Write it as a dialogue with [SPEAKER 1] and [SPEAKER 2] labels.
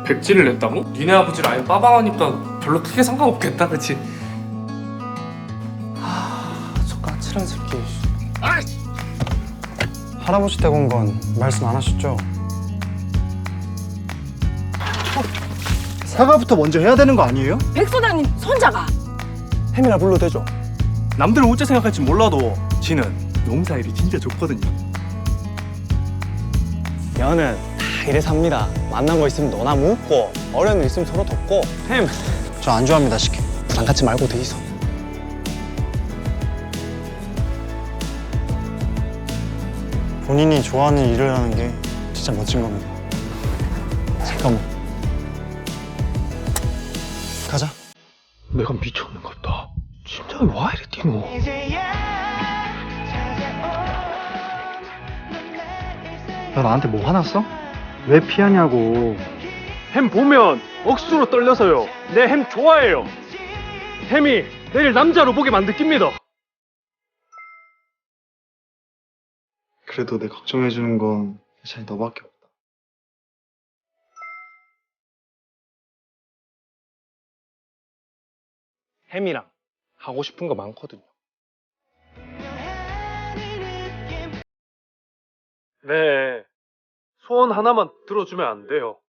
[SPEAKER 1] 백지를 냈다고? 니네 아버지를 아예 빠방하니까 별로 크게 상관없겠다, 그치? 저 까칠한 새끼.
[SPEAKER 2] 할아버지 댁 온 건 말씀 안 하셨죠?
[SPEAKER 3] 사과부터 먼저 해야 되는 거 아니에요?
[SPEAKER 4] 백소장님 손자가
[SPEAKER 2] 햄이라 불러도 되죠?
[SPEAKER 3] 남들은 어째 생각할지 몰라도 지는 농사일이 진짜 좋거든요.
[SPEAKER 2] 여는 다 이래 삽니다. 만난 거 있으면 너나 묻고 어려운 일 있으면 서로 돕고. 햄 저 안 좋아합니다, 식혜. 부담 갖지 말고 돼 있어. 본인이 좋아하는 일을 하는 게 진짜 멋진 겁니다. 잠깐만. 가자.
[SPEAKER 1] 내가 미쳤는갑다. 심장이 와 이래 뛰노.
[SPEAKER 3] 너 나한테 뭐 화났어? 왜 피하냐고.
[SPEAKER 5] 햄 보면 억수로 떨려서요. 내 햄 좋아해요. 햄이 내일 남자로 보게 만들깁니다.
[SPEAKER 3] 그래도 내 걱정해주는 건 예찬이 너밖에 없다.
[SPEAKER 5] 햄이랑 하고 싶은 거 많거든요. 네. 소원 하나만 들어주면 안 돼요.